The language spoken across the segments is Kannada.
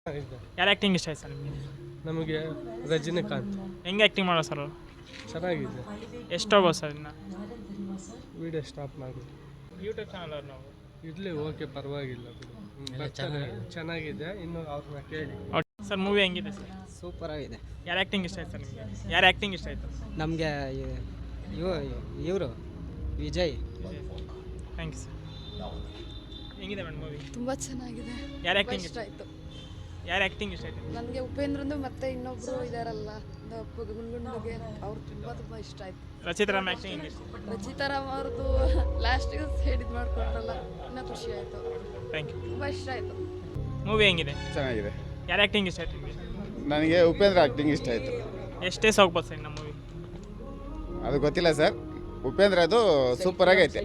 ಇದೆ. ಯಾರು ಆ್ಯಕ್ಟಿಂಗ್ ಇಷ್ಟ ಆಯ್ತು ಸರ್ ನಿಮಗೆ? ನಮಗೆ ರಜನಿಕಾಂತ್ ಹೆಂಗೆ ಆ್ಯಕ್ಟಿಂಗ್ ಮಾಡೋ ಸರ್ ಅವರು? ಚೆನ್ನಾಗಿದೆ. ಎಷ್ಟು ಹೋಗೋ ಸರ್ ಇನ್ನು? ವಿಡಿಯೋ ಸ್ಟಾಪ್ ಮಾಡಿ ಯೂಟ್ಯೂಬ್ ಚಾನಲ್ ಅವ್ರು ನಾವು ಇರಲಿ, ಓಕೆ, ಪರವಾಗಿಲ್ಲ ಬಿಡು. ಬರ್ತಾರೆ, ಚೆನ್ನಾಗಿದೆ. ಇನ್ನು ಅವ್ರನ್ನ ಕೇಳಿ. ಸರ್ ಮೂವಿ ಹೆಂಗಿದೆ ಸರ್? ಸೂಪರ್ ಆಗಿದೆ. ಯಾರು ಆ್ಯಕ್ಟಿಂಗ್ ಇಷ್ಟ ಆಯ್ತು ಸರ್ ನಿಮಗೆ? ಯಾರು ಆ್ಯಕ್ಟಿಂಗ್ ಇಷ್ಟ ಆಯಿತು? ನಮಗೆ ಇವರು ವಿಜಯ್. Thank you sir. ಹೆಂಗಿದೆ ಮೇಡಮ್ ಮೂವಿ? ತುಂಬ ಚೆನ್ನಾಗಿದೆ. ಯಾರು ಆ್ಯಕ್ಟಿಂಗ್ ಇಷ್ಟ ಆಯಿತು. ಯಾರು ಆ್ಯಕ್ಟಿಂಗ್ ಇಷ್ಟ ಆಯಿತು? ನನಗೆ ಉಪೇಂದ್ರಂದು ಮತ್ತೆ ಇನ್ನೊಬ್ರು ಇದಾರಲ್ಲ ಗುಂಡುಗೆ ಅವ್ರು ತುಂಬ ಇಷ್ಟ ಆಯಿತು. ರಚಿತಾ ರಾಮ್ ಆ್ಯಕ್ಟಿಂಗ್ ಹೆಂಗೆ ಇಷ್ಟ? ರಚಿತಾ ರಾಮ್ ಅವ್ರದ್ದು ಲಾಸ್ಟಿಗೆ ಹೇಳಿದ್ ಮಾಡ್ಕೊಂಡ್ರಲ್ಲ, ಇನ್ನೂ ಖುಷಿ ಆಯಿತು. Thank you. ತುಂಬ ಇಷ್ಟ ಆಯಿತು. ಮೂವಿ ಹೆಂಗಿದೆ? ಚೆನ್ನಾಗಿದೆ. ಯಾರು ಆ್ಯಕ್ಟಿಂಗ್ ಇಷ್ಟ ಆಯ್ತು ನಿಮಗೆ? ನನಗೆ ಉಪೇಂದ್ರ ಆ್ಯಕ್ಟಿಂಗ್ ಇಷ್ಟ ಆಯಿತು. ಎಷ್ಟೇ ಹೋಗ್ಬೋದು ಸರ್ ನಮ್ಮ ಮೂವಿ? ಅದು ಗೊತ್ತಿಲ್ಲ ಸರ್. ಉಪೇಂದ್ರ ಅದು ಸೂಪರ್ ಆಗೈತೆ.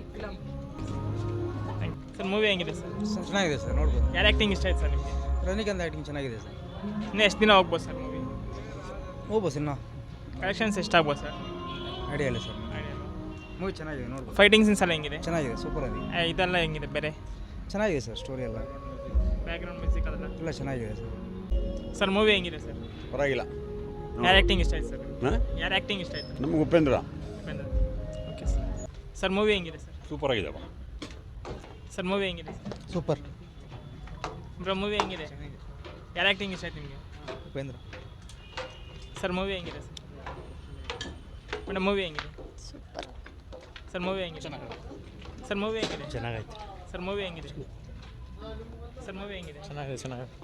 ಸರ್ ಮೂವಿ ಹೆಂಗಿದೆ ಸರ್? ಚೆನ್ನಾಗಿದೆ ಸರ್, ನೋಡ್ಬೋದು. ಯಾರು ಆ್ಯಕ್ಟಿಂಗ್ ಇಷ್ಟ ಆಯ್ತು ಸರ್ ನಿಮಗೆ? ರಜನಿಕಾಂತ್ ಆ್ಯಕ್ಟಿಂಗ್ ಚೆನ್ನಾಗಿದೆ ಸರ್. ಇನ್ನು ಎಷ್ಟು ದಿನ ಹೋಗ್ಬೋದು ಸರ್ ಮೂವಿ? ಹೋಗ್ಬೋದು ಇನ್ನು. ಕಲೆಕ್ಷನ್ಸ್ ಎಷ್ಟಾಗ್ಬೋದು ಸರ್? ಐಡಿಯಾ ಇಲ್ಲ ಸರ್. ಮೂವಿ ಚೆನ್ನಾಗಿದೆ, ನೋಡ್ಬೋದು. ಫೈಟಿಂಗ್ ಸೀನ್ಸ್ ಎಲ್ಲ ಹೆಂಗಿದೆ? ಚೆನ್ನಾಗಿದೆ, ಸೂಪರ್ ಆಗಿದೆ. ಇದೆಲ್ಲ ಹೆಂಗಿದೆ ಬೇರೆ? ಚೆನ್ನಾಗಿದೆ ಸರ್, ಸ್ಟೋರಿ ಎಲ್ಲ ಬ್ಯಾಕ್ಗ್ರೌಂಡ್ ಮ್ಯೂಸಿಕ್ ಅದೆಲ್ಲ ಎಲ್ಲ ಚೆನ್ನಾಗಿದೆ ಸರ್. ಸರ್ ಮೂವಿ ಹೆಂಗಿದೆ ಸರ್? ಪರವಾಗಿಲ್ಲ. ಯಾರು ಆ್ಯಕ್ಟಿಂಗ್ ಇಷ್ಟ ಆಯ್ತು ಸರ್? ಯಾರು ಆ್ಯಕ್ಟಿಂಗ್ ಇಷ್ಟ ಆಯಿತು? ನಮಗೆ Upendra okay sir. Sir movie ಹೆಂಗಿದೆ ಸರ್? ಸೂಪರ್ ಆಗಿದೆಪ್ಪ. ಸರ್ ಮೂವಿ ಹೆಂಗಿದೆ ಸರ್? ಸೂಪರ್. ಬ್ರೋ ಮೂವಿ ಹೆಂಗಿದೆ? ಯಾರು ಆ್ಯಕ್ಟಿಂಗ್ ಇಷ್ಟ ಆಯ್ತು ನಿಮಗೆ? ಉಪೇಂದ್ರ. ಸರ್ ಮೂವಿ ಹೆಂಗಿದೆ ಸರ್? ಮೇಡಮ್ ಮೂವಿ ಹೆಂಗಿದೆ? ಸೂಪರ್. ಸರ್ ಮೂವಿ ಹೆಂಗಿದೆ? ಸರ್ ಮೂವಿ ಹೆಂಗಿದೆ? ಚೆನ್ನಾಗೈತೆ. ಸರ್ ಮೂವಿ ಹೆಂಗಿದೆ? ಸರ್ ಮೂವಿ ಹೆಂಗಿದೆ? ಚೆನ್ನಾಗಿದೆ.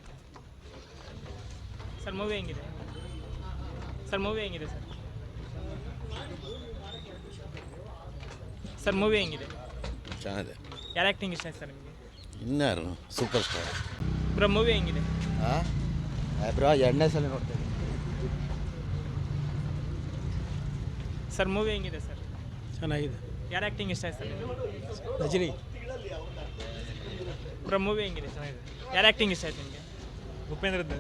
ಸರ್ ಮೂವಿ ಹೆಂಗಿದೆ? ಸರ್ ಮೂವಿ ಹೆಂಗಿದೆ ಸರ್? ಸರ್ ಮೂವಿ ಹೆಂಗಿದೆ? ಚೆನ್ನಾಗಿದೆ. ಯಾರು ಆ್ಯಕ್ಟಿಂಗ್ ಇಷ್ಟ ಆಯ್ತು ಸರ್ ನಿಮಗೆ? ಇನ್ಯಾರು ಸೂಪರ್ ಸ್ಟಾರ್. ಬ್ರೋ ಮೂವಿ ಹೆಂಗಿದೆ? ಬ್ರೋ ಎರಡನೇ ಸಲ ನೋಡ್ತೇನೆ. ಸರ್ ಮೂವಿ ಹೆಂಗಿದೆ ಸರ್? ಚೆನ್ನಾಗಿದೆ. ಯಾರು ಆ್ಯಕ್ಟಿಂಗ್ ಇಷ್ಟ ಆಯ್ತು ಸರ್ ನಿಮಗೆ? ರಜನಿ. ಬ್ರೋ ಮೂವಿ ಹೆಂಗಿದೆ? ಚೆನ್ನಾಗಿದೆ. ಯಾರು ಆ್ಯಕ್ಟಿಂಗ್ ಇಷ್ಟ ಆಯ್ತು ನಿಮಗೆ? ಉಪೇಂದ್ರದ್ದು.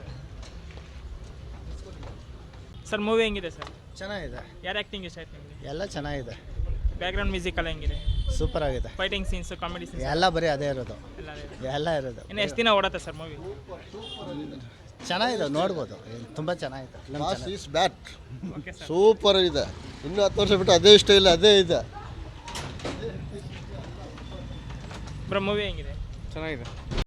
ಸರ್ ಮೂವಿ ಹೆಂಗಿದೆ ಸರ್? ಚೆನ್ನಾಗಿದೆ. ಯಾರು ಆ್ಯಕ್ಟಿಂಗ್ ಇಷ್ಟ ಆಯ್ತು ನಿಮಗೆ? ಎಲ್ಲ ಚೆನ್ನಾಗಿದೆ. ಬ್ಯಾಕ್ಗ್ರೌಂಡ್ ಮ್ಯೂಸಿಕ್ ಎಲ್ಲ ಹೆಂಗಿದೆ? ಸೂಪರ್ ಆಗಿದೆ. ಫೈಟಿಂಗ್ ಸೀನ್ಸ್, ಕಾಮಿಡಿ ಸೀನ್ಸ್ ಎಲ್ಲ ಬರೀ ಅದೇ ಇರೋದು. ಎಲ್ಲ ಇರೋದು. ಇನ್ನು ಎಷ್ಟು ದಿನ ಓಡತ್ತೆ ಸರ್ ಮೂವಿ? ಚೆನ್ನಾಗಿದೆ, ನೋಡ್ಬೋದು. ತುಂಬ ಚೆನ್ನಾಗಿದೆ. Boss is bat. Okay sir. Super ಇದೆ. ಇನ್ನೂ 10 ವರ್ಷ ಬಿಟ್ಟು ಅದೇ ಸ್ಟೈಲ್ ಅದೇ ಇದೆ. ಬ್ರೋ ಮೂವಿ ಹೆಂಗಿದೆ? ಚೆನ್ನಾಗಿದೆ.